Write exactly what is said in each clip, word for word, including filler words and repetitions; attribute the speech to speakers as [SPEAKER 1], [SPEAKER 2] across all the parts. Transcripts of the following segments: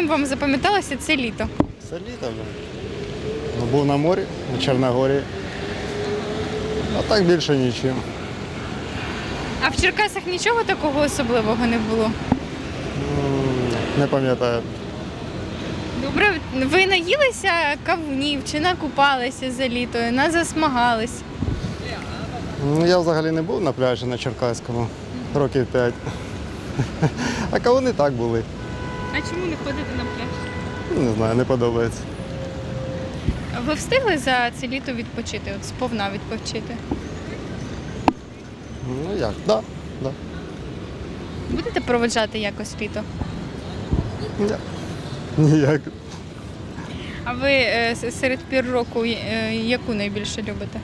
[SPEAKER 1] Чим вам запам'яталося це літо?
[SPEAKER 2] Це літо. Ну, був на морі, на Чорногорії. А так більше нічим.
[SPEAKER 1] А в Черкасах нічого такого особливого не було?
[SPEAKER 2] М, Не пам'ятаю.
[SPEAKER 1] Добре, ви наїлися кавунів чи накупалися за літо, назасмагались?
[SPEAKER 2] Ну, я взагалі не був на пляжі на Черкаському років п'ять. А кавуни так були.
[SPEAKER 1] А чому не ходите на пляж?
[SPEAKER 2] Ну, Не знаю, не подобається.
[SPEAKER 1] Ви встигли за це літо відпочити, от сповна відпочити?
[SPEAKER 2] Ну як, так. Да, да.
[SPEAKER 1] Будете проведжати якось літо?
[SPEAKER 2] Ні. Ніяк.
[SPEAKER 1] А ви е, с- серед пір року е, яку найбільше любите?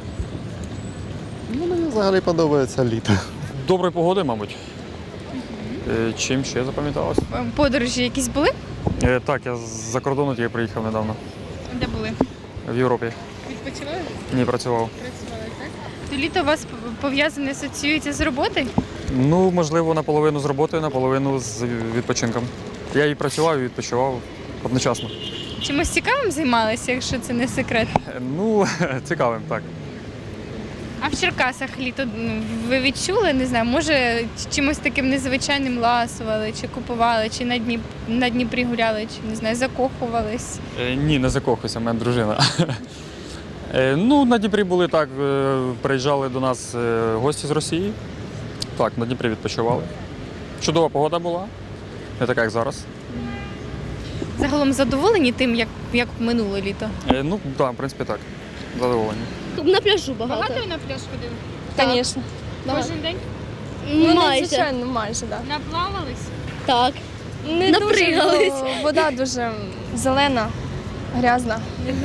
[SPEAKER 2] Ну, мені взагалі подобається літо.
[SPEAKER 3] Доброї погоди, мабуть. Е, Чим ще запам'яталось?
[SPEAKER 1] Е, Подорожі якісь були?
[SPEAKER 3] Е, Так, я з-за кордону тільки приїхав недавно.
[SPEAKER 1] Де були?
[SPEAKER 3] В Європі.
[SPEAKER 1] Відпочивали?
[SPEAKER 3] Ні, працював.
[SPEAKER 1] Працювали, так? То літо у вас п- пов'язане, асоціюється з роботою?
[SPEAKER 3] Ну, можливо, наполовину з роботою, наполовину з відпочинком. Я і працював, і відпочивав одночасно.
[SPEAKER 1] Чимось цікавим займалися, якщо це не секрет?
[SPEAKER 3] Е, Ну, цікавим, так.
[SPEAKER 1] А в Черкасах літо ну, ви відчули, не знаю, може чимось таким незвичайним ласували, чи купували, чи на Дніп... на Дніпрі гуляли, чи не знаю, закохувались?
[SPEAKER 3] Е, Ні, не закохуйся, в мене дружина. Е, Ну, на Дніпрі були так, е, приїжджали до нас е, гості з Росії. Так, на Дніпрі відпочивали. Чудова погода була, не така, як зараз.
[SPEAKER 1] Загалом задоволені тим, як, як минуло літо?
[SPEAKER 3] Е, Ну, так, в принципі, так. Задоволені.
[SPEAKER 4] На пляжу багато.
[SPEAKER 1] Багато на пляж ходили?
[SPEAKER 4] Звісно.
[SPEAKER 1] Кожен день?
[SPEAKER 4] Ну,
[SPEAKER 5] майже.
[SPEAKER 4] звичайно, майже, так.
[SPEAKER 1] Наплавались?
[SPEAKER 4] Так. Не
[SPEAKER 5] Напригались.
[SPEAKER 4] дуже, бо вода дуже зелена, грязна.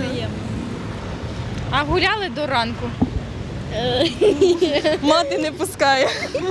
[SPEAKER 1] А гуляли до ранку?
[SPEAKER 4] Мати не пускає.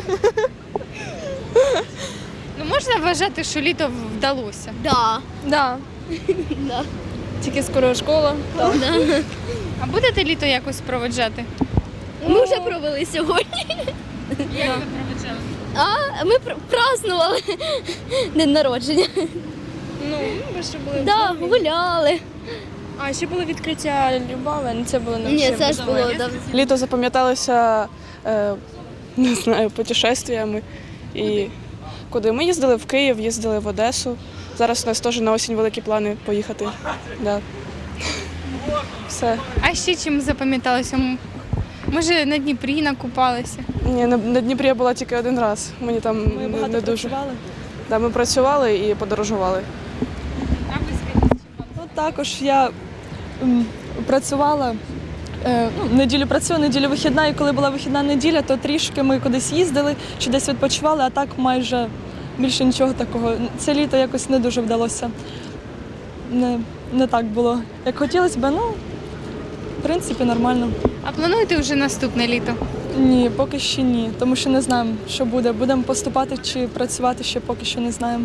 [SPEAKER 1] Ну можна вважати, що літо вдалося?
[SPEAKER 5] Да.
[SPEAKER 4] Да.
[SPEAKER 5] Да.
[SPEAKER 4] Тільки скоро школа. Так.
[SPEAKER 5] Да.
[SPEAKER 1] А будете літо якось проведжати?
[SPEAKER 5] Ми вже провели сьогодні.
[SPEAKER 1] Як ви проведжали?
[SPEAKER 5] А ми пр- празднували день народження.
[SPEAKER 4] Ну, ми ще були.
[SPEAKER 5] Да, гуляли.
[SPEAKER 4] А ще було відкриття Любави, ну це було не
[SPEAKER 5] Ні, це ж було давно.
[SPEAKER 6] Літо запам'яталося, е, не знаю, путешествиями. І куди ми їздили в Київ, їздили в Одесу. Зараз у нас теж на осінь великі плани поїхати. Да. Все.
[SPEAKER 1] А ще чим запам'яталося? М, Може на Дніпрі накупалися?
[SPEAKER 6] Ні, на, на Дніпрі я була тільки один раз. Мені там
[SPEAKER 4] Ми
[SPEAKER 6] не,
[SPEAKER 4] багато
[SPEAKER 6] не дуже.
[SPEAKER 4] працювали.
[SPEAKER 6] Да, ми працювали і подорожували.
[SPEAKER 1] А ви скажіть,
[SPEAKER 4] Ну, також я м, працювала. е, Ну, неділю працюю, неділю вихідна, і коли була вихідна неділя, то трішки ми кудись їздили чи десь відпочивали, а так майже більше нічого такого. Це літо якось не дуже вдалося. Не, не так було, як хотілося б, ну, в принципі, нормально.
[SPEAKER 1] а плануєте вже наступне літо?
[SPEAKER 4] Ні, поки що ні, тому що не знаємо, що буде. Будемо поступати чи працювати, ще поки що не знаємо.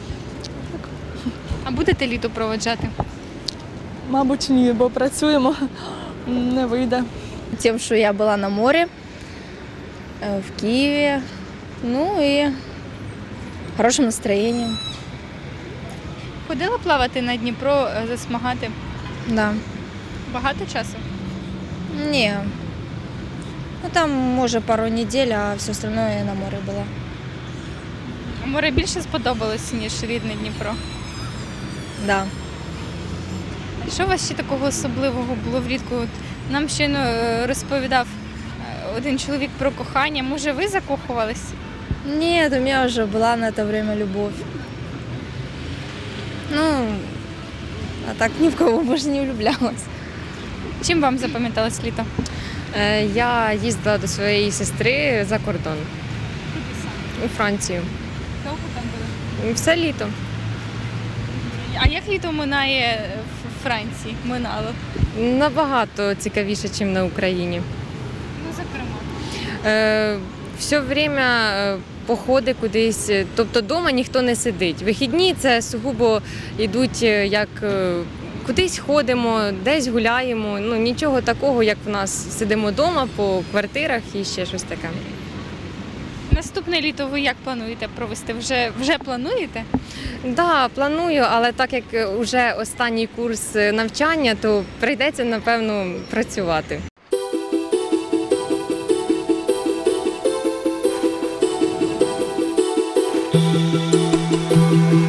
[SPEAKER 1] А будете літо проведжати?
[SPEAKER 4] Мабуть, ні, бо працюємо, не вийде.
[SPEAKER 7] Тем, что я была на море, э, в Киеве, ну и хорошим настроением.
[SPEAKER 1] Ходила плавати на Дніпро, е, засмагати?
[SPEAKER 7] Да.
[SPEAKER 1] Багато часу?
[SPEAKER 7] Не. Ну там, может, пару недель, а все остальное я на море была.
[SPEAKER 1] А море більше сподобалось, ніж рідне Дніпро?
[SPEAKER 7] Да.
[SPEAKER 1] А що у вас ще такого особливого було влітку? От нам щойно е, розповідав е, один чоловік про кохання. Може, ви закохувались?
[SPEAKER 7] Нет, у меня уже была на это время любовь. Ну, а так ни в кого больше не влюблялась.
[SPEAKER 1] Чим вам запам'яталось літо?
[SPEAKER 8] Е, Я їздила до своєї сестри за кордон у Францію.
[SPEAKER 1] Довго там були?
[SPEAKER 8] Все літо.
[SPEAKER 1] А як літо минає в Франції? Минало?
[SPEAKER 8] Набагато цікавіше, ніж на Україні.
[SPEAKER 1] Ну, зокрема.
[SPEAKER 8] Е, Все время е, походи кудись, тобто вдома ніхто не сидить. Вихідні це сугубо йдуть е, як е, кудись ходимо, десь гуляємо. Ну нічого такого, як в нас сидимо вдома по квартирах і ще щось таке.
[SPEAKER 1] Наступне літо ви як плануєте провести? Вже, вже плануєте?
[SPEAKER 8] Да, планую, але так як вже останній курс навчання, то прийдеться, напевно, працювати.
[SPEAKER 9] Thank you.